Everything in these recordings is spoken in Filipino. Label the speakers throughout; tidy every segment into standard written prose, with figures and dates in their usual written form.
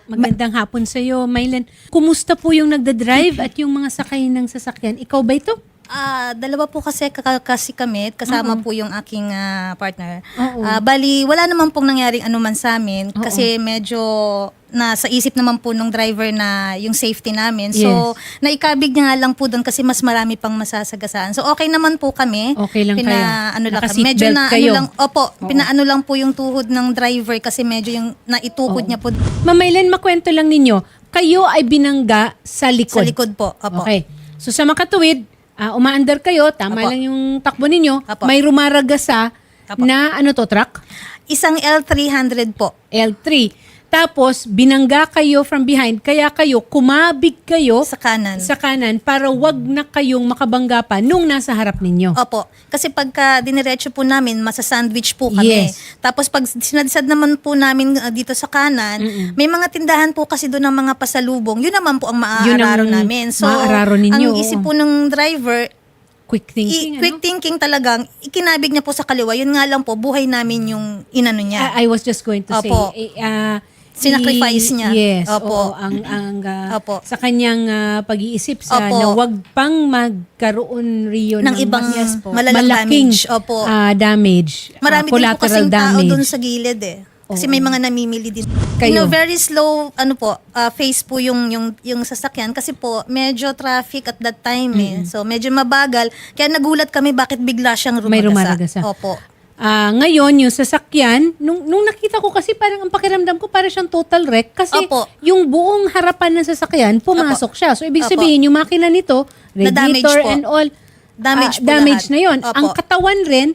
Speaker 1: Magandang hapon sa iyo, Mylen. Kumusta po yung nagda-drive at yung mga sakay ng sasakyan? Ikaw ba ito?
Speaker 2: Dalawa po kasi kami, kasama po yung aking partner.
Speaker 1: Oo.
Speaker 2: Bali, wala naman pong nangyaring anuman sa amin kasi medyo nasa isip naman po nung driver na yung safety namin. So, naikabig niya nga lang po doon kasi mas marami pang masasagasaan. So, okay naman po kami.
Speaker 1: Okay lang kayo.
Speaker 2: Ano lang kami.
Speaker 1: Naka-seatbelt
Speaker 2: Medyo na
Speaker 1: kayo.
Speaker 2: ano lang, pinaano lang po yung tuhod ng driver kasi medyo yung naitukod niya po
Speaker 1: Ma'am Mylen, makwento lang ninyo, kayo ay binangga sa likod.
Speaker 2: sa likod po. Opo.
Speaker 1: Okay. So sa makatuwid, umaandar kayo, tama
Speaker 2: Apo.
Speaker 1: lang yung takbo ninyo,
Speaker 2: Apo.
Speaker 1: may rumaragasa
Speaker 2: Apo.
Speaker 1: na ano to, truck?
Speaker 2: Isang L300 po.
Speaker 1: L3. Tapos, binangga kayo from behind, kaya kayo, kumabig kayo
Speaker 2: Sa kanan.
Speaker 1: sa kanan para wag na kayong makabangga pa nung nasa harap ninyo.
Speaker 2: Opo. Kasi pagka diniretso po namin, masasandwich po kami.
Speaker 1: Yes.
Speaker 2: Tapos pag sinadsad naman po namin dito sa kanan, may mga tindahan po kasi doon ng mga pasalubong. Yun naman po ang
Speaker 1: Yun ang
Speaker 2: maaararo namin. So,
Speaker 1: maaararo ninyo,
Speaker 2: ang isip po ng driver,
Speaker 1: Quick thinking,
Speaker 2: quick thinking talagang, ikinabig niya po sa kaliwa. Yun nga lang po, buhay namin yung inano niya.
Speaker 1: I was just going to
Speaker 2: Opo.
Speaker 1: say,
Speaker 2: Sinacrifice niya.
Speaker 1: Yes,
Speaker 2: Opo.
Speaker 1: oo,
Speaker 2: Opo.
Speaker 1: sa kanyang pag-iisip sa
Speaker 2: Opo.
Speaker 1: na wag pang magkaroon riyo
Speaker 2: Ng ibang
Speaker 1: mas
Speaker 2: malalang
Speaker 1: malaking
Speaker 2: damage. Opo.
Speaker 1: Damage,
Speaker 2: Marami din po
Speaker 1: collateral
Speaker 2: kasing tao
Speaker 1: damage.
Speaker 2: doon sa gilid eh. Kasi may mga namimili din.
Speaker 1: Kayo?
Speaker 2: Very slow phase po yung sasakyan kasi po medyo traffic at that time eh. So medyo mabagal. Kaya nagulat kami bakit bigla siyang rumaragasa.
Speaker 1: May rumaragasa.
Speaker 2: Opo.
Speaker 1: Ngayon, yung sasakyan, nung nakita ko kasi parang ang pakiramdam ko parang siyang total wreck kasi
Speaker 2: Opo.
Speaker 1: yung buong harapan ng sasakyan, pumasok siya. So, ibig
Speaker 2: Opo.
Speaker 1: sabihin, yung makina nito,
Speaker 2: Na-damage
Speaker 1: radiator
Speaker 2: po.
Speaker 1: and all,
Speaker 2: Damage po
Speaker 1: damage
Speaker 2: lahat.
Speaker 1: na yon.
Speaker 2: Opo.
Speaker 1: Ang katawan rin,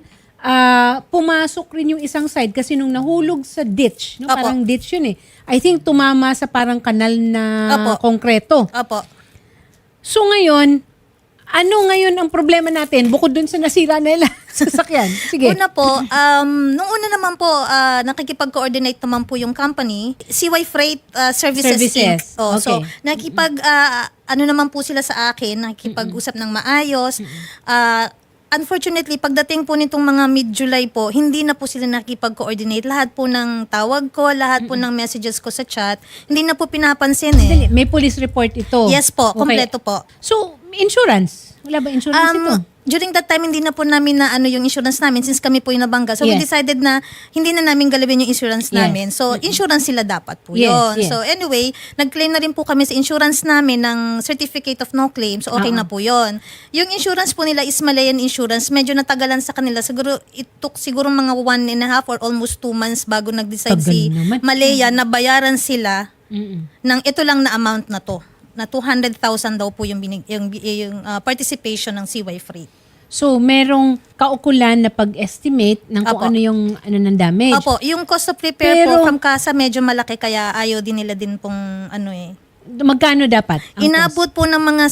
Speaker 1: pumasok rin yung isang side kasi nung nahulog sa ditch, no,
Speaker 2: Opo.
Speaker 1: parang ditch yun eh. I think tumama sa parang kanal na
Speaker 2: Opo.
Speaker 1: konkreto.
Speaker 2: Opo.
Speaker 1: So ngayon, ano ngayon ang problema natin bukod dun sa nasira nila sasakyan? Sige.
Speaker 2: Una po, nung una naman po, nakikipag-coordinate naman po yung company, CY Freight Services Inc.
Speaker 1: Services.
Speaker 2: So,
Speaker 1: Okay.
Speaker 2: ano naman po sila sa akin, nakikipag-usap ng maayos. Unfortunately, pagdating po nitong mga mid-July po, hindi na po sila nakikipag-coordinate. Lahat po ng tawag ko, lahat po ng messages ko sa chat, hindi na po pinapansin eh.
Speaker 1: Dali, may police report ito.
Speaker 2: Yes po,
Speaker 1: Okay.
Speaker 2: kompleto po.
Speaker 1: So, insurance. Wala ba insurance ito?
Speaker 2: During that time, hindi na po namin na yung insurance namin since kami po yung nabangga. So, we
Speaker 1: Yes.
Speaker 2: decided na hindi na namin galawin yung insurance
Speaker 1: Yes.
Speaker 2: namin. So, insurance sila dapat po
Speaker 1: Yes,
Speaker 2: yun.
Speaker 1: yes.
Speaker 2: So, anyway, nag-claim na rin po kami sa insurance namin ng Certificate of No Claim. So, okay na po yun. Yung insurance po nila is Malayan Insurance. Medyo natagalan sa kanila. Siguro, it took siguro mga 1.5 or almost 2 months bago nag-decide
Speaker 1: Tagal
Speaker 2: si
Speaker 1: naman.
Speaker 2: Malaya na bayaran sila ng ito lang na amount na to. Na 200,000 daw po yung participation ng CY Freight.
Speaker 1: So, merong kaukulan na pag-estimate ng kung
Speaker 2: Apo.
Speaker 1: ano yung ng damage.
Speaker 2: Opo, yung cost of repair
Speaker 1: Pero-
Speaker 2: po from casa medyo malaki kaya ayaw din nila din pong
Speaker 1: Magkano dapat ang
Speaker 2: Inabot po ng mga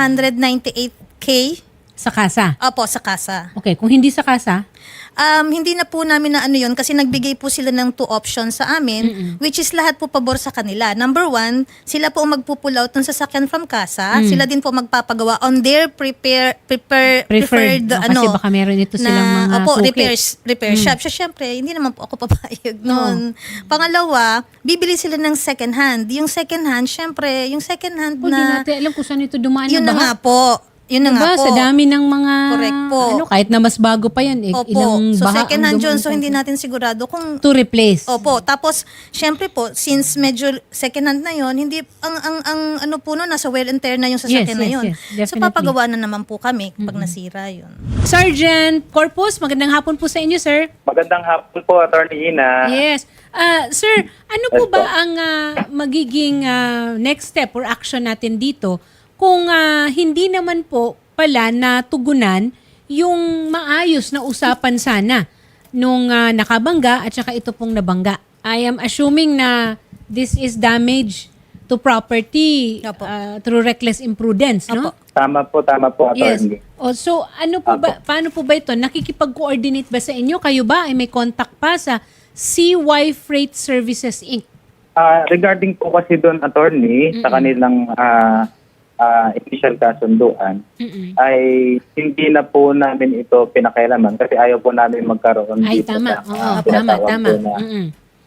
Speaker 2: 798K.
Speaker 1: sa kasa?
Speaker 2: Opo, sa casa.
Speaker 1: Okay, kung hindi sa kasa,
Speaker 2: Hindi na po namin na yun kasi nagbigay po sila ng 2 options sa amin which is lahat po pabor sa kanila. Number 1, sila po ang magpupull out ng sasakyan from casa. Sila din po magpapagawa on their preferred
Speaker 1: preferred. Kasi baka meron ito silang mga suki.
Speaker 2: repair shop. So, syempre, hindi naman po ako papayag noon. Pangalawa, bibili sila ng second hand. Yung second hand, syempre, yung second hand
Speaker 1: Hindi
Speaker 2: na,
Speaker 1: natin alam kung saan ito dumaan
Speaker 2: yun
Speaker 1: na
Speaker 2: na nga
Speaker 1: baha.
Speaker 2: po. Yun na
Speaker 1: Diba?
Speaker 2: nga po.
Speaker 1: Sa dami ng mga,
Speaker 2: Correct po.
Speaker 1: kahit na mas bago pa yan,
Speaker 2: Opo.
Speaker 1: ilang
Speaker 2: So,
Speaker 1: baha
Speaker 2: second
Speaker 1: ang
Speaker 2: hand yun.
Speaker 1: dumaan
Speaker 2: So,
Speaker 1: sa-
Speaker 2: hindi natin sigurado kung
Speaker 1: to replace.
Speaker 2: Opo. Tapos, syempre po, since medyo second hand na yon, hindi, ang ano po no, nasa wear and tear na yung sasakyan na yon.
Speaker 1: yes,
Speaker 2: So,
Speaker 1: definitely.
Speaker 2: papagawa na naman po kami pag nasira yun.
Speaker 1: Sergeant Corpus, magandang hapon po sa inyo, sir.
Speaker 3: Magandang hapon po, Attorney Ina.
Speaker 1: Yes. Sir, ano po
Speaker 3: Yes,
Speaker 1: ba
Speaker 3: po.
Speaker 1: ang magiging next step or action natin dito kung hindi naman po pala natugunan yung maayos na usapan sana nung nakabangga at saka ito pong nabangga? I am assuming na this is damage to property
Speaker 2: Opo.
Speaker 1: through reckless imprudence, no?
Speaker 2: Opo.
Speaker 3: Tama po,
Speaker 1: Yes.
Speaker 3: Attorney.
Speaker 1: So ano po ba, paano po ba ito? Nakikipag-coordinate ba sa inyo? Kayo ba ay may contact pa sa CY Freight Services Inc.?
Speaker 3: Regarding po kasi doon, Attorney, sa kanilang initial kasunduan, ay hindi na po namin ito pinakailaman kasi ayaw po namin magkaroon
Speaker 1: Ay,
Speaker 3: dito
Speaker 1: tama.
Speaker 3: sa
Speaker 1: Oo,
Speaker 3: tinatawag
Speaker 1: tama.
Speaker 3: po na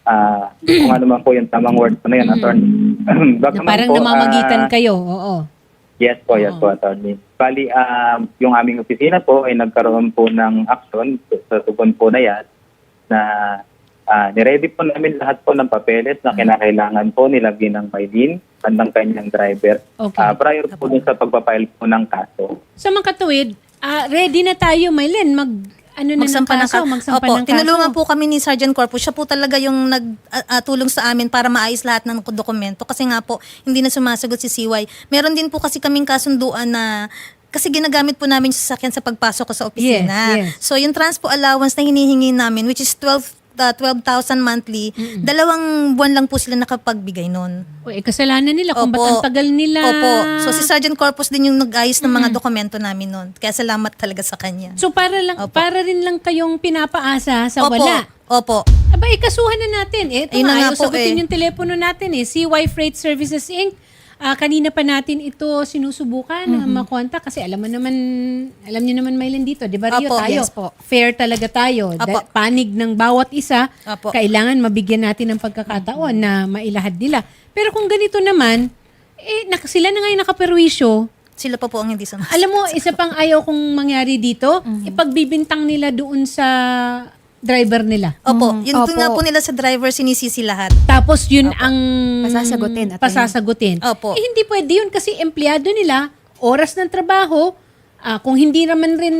Speaker 3: kung ano man po yung tamang word po na yun, attorney.
Speaker 1: Na
Speaker 3: Bagaman
Speaker 1: parang
Speaker 3: po,
Speaker 1: namamagitan kayo. Oo.
Speaker 3: Yes po, attorney. Bali, yung aming opisina po ay nagkaroon po ng action sa tugon po na yan na niready po namin lahat po ng papeles na kinakailangan po nilagyan ng Maylin at ng kanyang driver
Speaker 1: Okay.
Speaker 3: prior po dun sa pagpapile po ng kaso.
Speaker 1: Sa mga katuwid, ready na tayo, Maylin, magsampa ng kaso.
Speaker 2: Tinulungan po kami ni Sergeant Corpus. Siya po talaga yung nagtulong sa amin para maayos lahat ng dokumento. Kasi nga po, hindi na sumasagot si CY. Meron din po kasi kaming kasunduan na kasi ginagamit po namin yung sasakyan sa pagpasok ko sa opisina.
Speaker 1: Yes.
Speaker 2: So yung transpo allowance na hinihingi namin, which is 12,000 monthly, 2 buwan lang po sila nakapagbigay nun.
Speaker 1: Kasalanan nila kung ba't ang tagal nila.
Speaker 2: Opo. So si Sergeant Corpus din yung nag-ayos ng mga dokumento namin nun. Kaya salamat talaga sa kanya.
Speaker 1: So para rin lang kayong pinapaasa sa wala.
Speaker 2: Opo.
Speaker 1: Aba, ikasuhan na natin. Ito
Speaker 2: Ayun na
Speaker 1: nga,
Speaker 2: nga po,
Speaker 1: sagutin yung telepono natin CY Freight Services Inc. Kanina pa natin ito sinusubukan na makontak kasi alam niyo naman Maylin dito, 'di ba Rio?
Speaker 2: Apo,
Speaker 1: Tayo,
Speaker 2: yes po.
Speaker 1: fair talaga tayo.
Speaker 2: Apo.
Speaker 1: Panig ng bawat isa,
Speaker 2: Apo.
Speaker 1: kailangan mabigyan natin ng pagkakataon na mailahad nila. Pero kung ganito naman, sila na nga yung nakaperwisyo.
Speaker 2: Sila pa po ang hindi sumasagot.
Speaker 1: Alam mo, isa pang ayaw kong mangyari dito, ipagbibintang nila doon sa driver nila.
Speaker 2: Opo. Yun
Speaker 4: Opo.
Speaker 2: nga po nila sa driver, sinisisi lahat.
Speaker 1: Tapos yun ang
Speaker 4: Pasasagutin, attorney.
Speaker 1: pasasagutin.
Speaker 2: Opo.
Speaker 1: Hindi pwede yun kasi empleyado nila, oras ng trabaho, kung hindi naman rin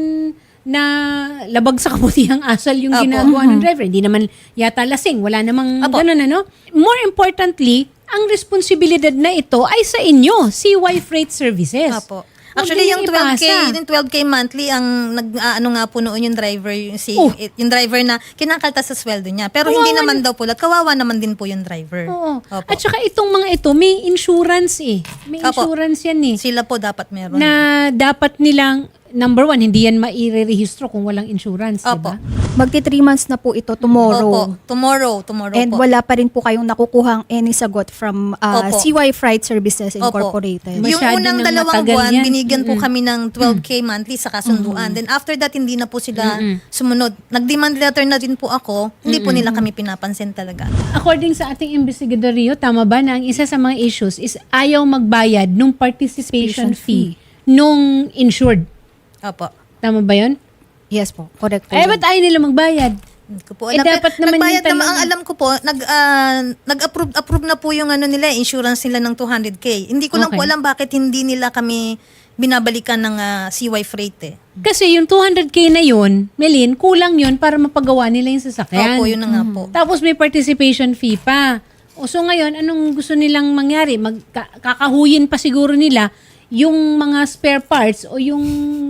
Speaker 1: na labag sa kabutihang asal yung
Speaker 2: Opo.
Speaker 1: ginagawa ng driver. Hindi naman yata lasing. Wala namang
Speaker 2: Opo.
Speaker 1: ganun, ano? More importantly, ang responsibilidad na ito ay sa inyo, CY Freight Services.
Speaker 2: Opo.
Speaker 1: Huwag
Speaker 2: Actually,
Speaker 1: ninyong
Speaker 2: yung 12K,
Speaker 1: ipasa.
Speaker 2: yung 12K monthly, ang ano nga po noon yung driver, yung driver na kinakaltas sa sweldo niya. Pero hindi naman daw po, kawawa naman din po yung driver.
Speaker 1: Oo.
Speaker 2: Opo.
Speaker 1: At saka itong mga ito, may insurance May
Speaker 2: Opo.
Speaker 1: insurance yan
Speaker 2: Sila po dapat meron.
Speaker 1: Na dapat nilang, number one, hindi yan maire-rehistro kung walang insurance, di
Speaker 2: Opo.
Speaker 1: ba?
Speaker 4: Magti 3 months na po ito tomorrow.
Speaker 2: Opo. Tomorrow
Speaker 4: And
Speaker 2: po.
Speaker 4: wala pa rin po kayong nakukuhang any sagot from
Speaker 2: Opo.
Speaker 4: CY Freight Services
Speaker 2: Opo.
Speaker 4: Incorporated.
Speaker 1: May-
Speaker 2: Yung
Speaker 1: Masyado
Speaker 2: unang
Speaker 1: nang
Speaker 2: 2
Speaker 1: matagal
Speaker 2: buwan,
Speaker 1: yan.
Speaker 2: binigyan po kami ng 12K monthly sa kasunduan. Then after that, hindi na po sila sumunod. Nag-demand letter na din po ako. Hindi po nila kami pinapansin talaga.
Speaker 1: According sa ating investigador Rio, tama ba na ang isa sa mga issues is ayaw magbayad nung participation fee nung insured?
Speaker 2: Opo.
Speaker 1: Tama ba yun?
Speaker 4: Yes po, correct po.
Speaker 1: Ba't ayaw nila magbayad?
Speaker 2: Hindi ko po
Speaker 1: Eh,
Speaker 2: alam.
Speaker 1: dapat naman
Speaker 2: nagbayad
Speaker 1: yung
Speaker 2: naman,
Speaker 1: talaga.
Speaker 2: ang alam ko po, nag-approve na po yung insurance nila ng 200K. Hindi ko lang po
Speaker 1: Okay.
Speaker 2: alam bakit hindi nila kami binabalikan ng CY Freight
Speaker 1: Kasi yung 200K na yun, Melin, kulang yun para mapagawa nila yung sasakyan.
Speaker 2: Opo, yun na nga po.
Speaker 1: Tapos may participation fee pa. So ngayon, anong gusto nilang mangyari? Kakahuyin pa siguro nila yung mga spare parts o yung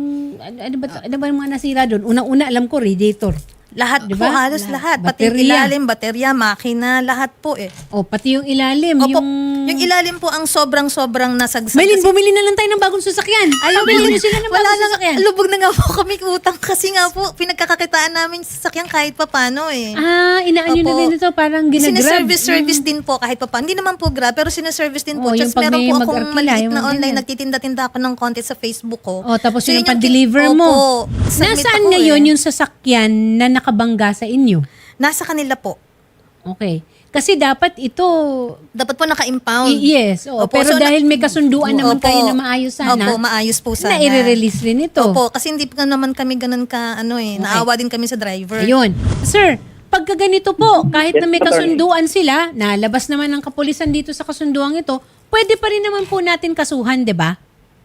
Speaker 1: ano ba yung mga nasira doon? Unang-una alam ko radiator.
Speaker 2: Lahat
Speaker 1: Diba?
Speaker 2: po, halos lahat. Pati yung
Speaker 1: Baterya.
Speaker 2: ilalim, baterya, makina, lahat po
Speaker 1: O pati yung ilalim,
Speaker 2: Opo,
Speaker 1: yung
Speaker 2: yung ilalim po ang sobrang nasagsag.
Speaker 1: Melin,
Speaker 2: Kasi-
Speaker 1: bumili na lang tayo ng bagong sasakyan. Bumili na sila ng
Speaker 2: wala
Speaker 1: bagong
Speaker 2: na,
Speaker 1: sasakyan.
Speaker 2: lubog na nga po kami utang kasi nga po, pinagkakakitaan namin sa sasakyan kahit pa paano
Speaker 1: Inaan nyo na
Speaker 2: Opo.
Speaker 1: rin ito, parang ginagrab.
Speaker 2: Service din po kahit pa paano. Hindi naman po grab, pero sinaservice din po.
Speaker 1: Oh, yung
Speaker 2: Just
Speaker 1: pag
Speaker 2: meron
Speaker 1: may
Speaker 2: po akong
Speaker 1: mag-arkila,
Speaker 2: maliit
Speaker 1: yung
Speaker 2: na
Speaker 1: mga
Speaker 2: online,
Speaker 1: ganyan.
Speaker 2: nagtitinda-tinda ako ng content sa Facebook ko.
Speaker 1: O, tapos
Speaker 2: So,
Speaker 1: yung
Speaker 2: yun
Speaker 1: pan-deliver mo.
Speaker 2: Opo. Submit
Speaker 1: Nasaan
Speaker 2: ako
Speaker 1: ngayon yung sasakyan na nakabangga sa inyo?
Speaker 2: Nasa kanila po.
Speaker 1: Okay. Kasi dapat ito,
Speaker 2: Dapat po naka-impound.
Speaker 1: yes.
Speaker 2: Opo,
Speaker 1: Pero
Speaker 2: so
Speaker 1: dahil may kasunduan naman
Speaker 2: Opo.
Speaker 1: kayo na maayos sana,
Speaker 2: Opo, maayos po sana.
Speaker 1: na i-release rin ito.
Speaker 2: Opo, kasi hindi pa naman kami ganun ka, naawa din kami sa driver.
Speaker 1: Ayun. Sir, pagka ganito po, kahit na may
Speaker 3: Yes, attorney.
Speaker 1: kasunduan sila, nalabas naman ng kapulisan dito sa kasunduang ito, pwede pa rin naman po natin kasuhan, di ba?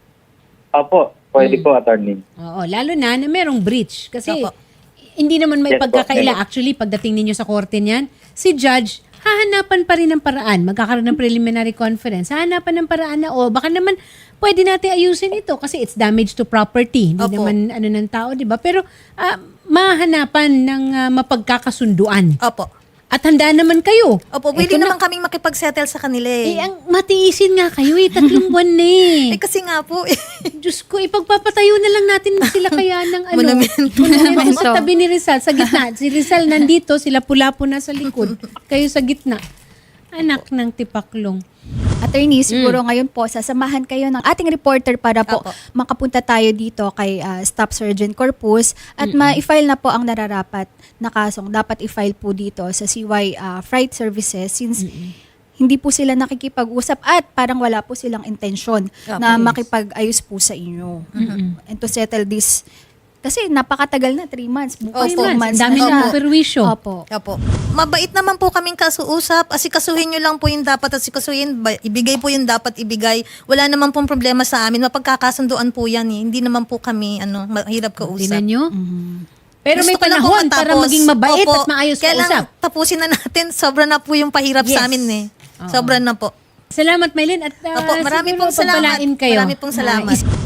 Speaker 3: Opo, pwede po, attorney.
Speaker 1: Oo, lalo na merong breach. Kasi
Speaker 2: Opo.
Speaker 1: hindi naman may
Speaker 3: Yes po,
Speaker 1: pagkakaila.
Speaker 3: yes.
Speaker 1: Actually, pagdating ninyo sa korte niyan, si judge, hahanapan pa rin ng paraan. Magkakaroon ng preliminary conference. Hahanapan ng paraan na, baka naman pwede natin ayusin ito kasi it's damage to property. Hindi
Speaker 2: Opo.
Speaker 1: naman ng tao, di ba? Pero mahanapan ng mapagkakasunduan.
Speaker 2: Opo.
Speaker 1: At handa naman kayo.
Speaker 2: Opo,
Speaker 1: Eto
Speaker 2: willing
Speaker 1: na.
Speaker 2: naman kaming makipagsettle sa kanila
Speaker 1: Ang matiisin nga kayo 3 buwan na
Speaker 2: kasi nga po,
Speaker 1: Diyos ko, ipagpapatayo na lang natin sila kaya ng
Speaker 2: Monumento.
Speaker 1: monumento sa tabi ni Rizal, sa gitna. Si Rizal nandito, sila pula po na sa likod. Kayo sa gitna. Anak ng tipaklong.
Speaker 4: Attorney, siguro ngayon po, sasamahan kayo ng ating reporter para po
Speaker 2: Apo.
Speaker 4: makapunta tayo dito kay Staff Sergeant Corpus at ma-file na po ang nararapat na kasong dapat i-file po dito sa CY Freight Services since hindi po sila nakikipag-usap at parang wala po silang intensyon na makipag-ayos po sa inyo. And to settle this, kasi napakatagal na, 3 months. Bukas 4
Speaker 2: Opo.
Speaker 4: months
Speaker 1: Dami
Speaker 4: na
Speaker 1: ng
Speaker 4: siya.
Speaker 1: perwisyo.
Speaker 4: Opo.
Speaker 2: Opo. Mabait naman po kaming kasuusap. Asikasuhin nyo lang po yung dapat asikasuhin. Ibigay po yung dapat ibigay. Wala naman pong problema sa amin. Mapagkakasunduan po yan eh. Hindi naman po kami mahirap kausap.
Speaker 1: Tingnan nyo. Pero may
Speaker 2: Gusto ko lang po
Speaker 1: panahon para
Speaker 2: matapos.
Speaker 1: maging mabait
Speaker 2: Opo.
Speaker 1: at maayos
Speaker 2: Kaya lang,
Speaker 1: kausap.
Speaker 2: tapusin na natin. Sobra na po yung pahirap
Speaker 1: Yes.
Speaker 2: sa amin eh. Sobra na po.
Speaker 1: Salamat, Maylin. At
Speaker 2: Opo, marami
Speaker 1: siguro
Speaker 2: pong salamat.
Speaker 1: pagpalain kayo.
Speaker 2: Marami pong salamat.